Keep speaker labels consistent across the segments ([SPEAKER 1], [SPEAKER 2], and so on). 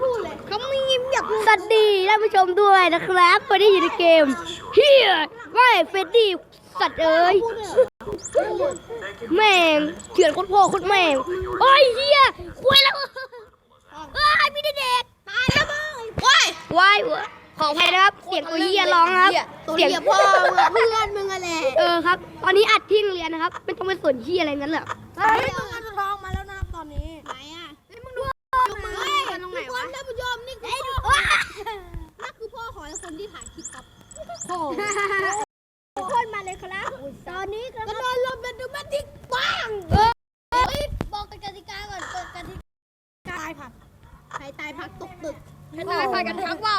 [SPEAKER 1] พูดเลยเขาไม่ยิ้มอยาก
[SPEAKER 2] สวัสดีท่านผู้ชมด้วยนะครับวันนี้อยู่ในเกมเฮียไม่เฟรดดี้สัตว์เอ้ยแม่งเฉือนโคตรพ่อโคตรแม่งโอ้ยเฮียคุยแล้วเอ้ยพี่เด็ก
[SPEAKER 1] ตายแล้วมึง
[SPEAKER 2] ว้ายของแพ้นะครับเสียงตัวเฮียร้องครับ
[SPEAKER 1] เสียงพ่อเพื่อนมึงอะไร
[SPEAKER 2] ครับตอนนี้อัดที่โรงเรียนนะครับไม่ต้องไปสนเฮียอะไรงั้นเหรอ
[SPEAKER 1] เฮ้ยต้องการทองมาแล้วนะครับตอนนี้ไหนอ่ะมึงดูเฮ้ยตรงไหนวะท่านผู้ชมนี่คือพ่อนั่นคือพ่อของคนที่ถ่ายคลิปครับโอ้คนมาเลยครับตอนนี้ก็โดนลมเป็นดูมันทิกบ้างบอกกติกาก่อนกติกาผักใครตายผักตกตึกใครตายผักกันทั้งว่าว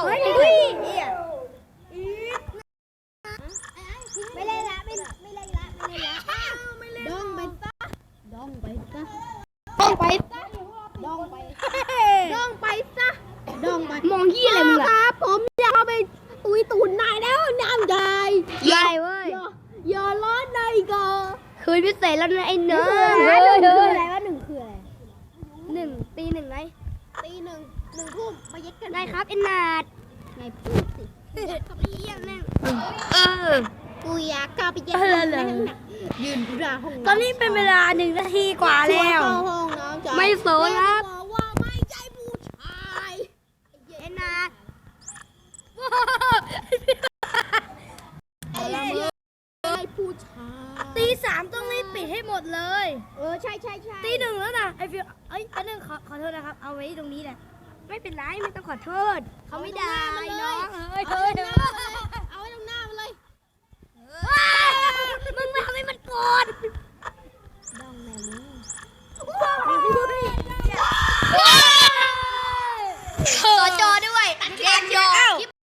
[SPEAKER 1] ไม่เล่นละไม่เล่นละดองไปซะดองไปซะ
[SPEAKER 2] มองเฮียอะไรมึง
[SPEAKER 1] ค
[SPEAKER 2] ล่ะ
[SPEAKER 1] รับผมอยากเอาไปตุยตูนนายแล้วน้ำใหญ่
[SPEAKER 2] ยายเว้ย
[SPEAKER 1] อย่าร้อนในก่อน
[SPEAKER 2] คืนพิเศษแล้วนะไอ้เนื้อ
[SPEAKER 1] อะไรวะหนึ่งคืออะไร
[SPEAKER 2] ตีหนึ่งไง
[SPEAKER 1] ตีหนึ่งทุ่มมาเย็ดกัน
[SPEAKER 2] ได้ครับไอ้นาด
[SPEAKER 1] ไงพูดสิ
[SPEAKER 2] กับไอ้เฮียแม่ง
[SPEAKER 1] กูอยากกลับไปเย็ดยืนอยู่หน้าห้อง
[SPEAKER 2] ตอนนี้เป็นเวลา1 นาทีกว่าแล้ว
[SPEAKER 1] ห้องน้ำ
[SPEAKER 2] ไม่โสนครับ
[SPEAKER 1] บอกว่าไม่ใช่ผู้ชาย
[SPEAKER 2] ไอ้นาด
[SPEAKER 1] ไม่ผู้ชาย
[SPEAKER 2] ตี 3ต้องรีบปิดให้หมดเลย
[SPEAKER 1] ใช่
[SPEAKER 2] ตี 1แล้วนะไอ้ฟิวอันนึงขอโทษนะครับเอาไว้ตรงนี้แหละไม่เป็นไรไม่ต้องขอโทษเขาไม่ได้น้องเฮ้ย
[SPEAKER 1] เอาไว้ตรงหน้ามันเลย
[SPEAKER 2] มึงไม่ทำให้มันโกรธ
[SPEAKER 1] ดองแม่มึง
[SPEAKER 2] ขอจอด้วย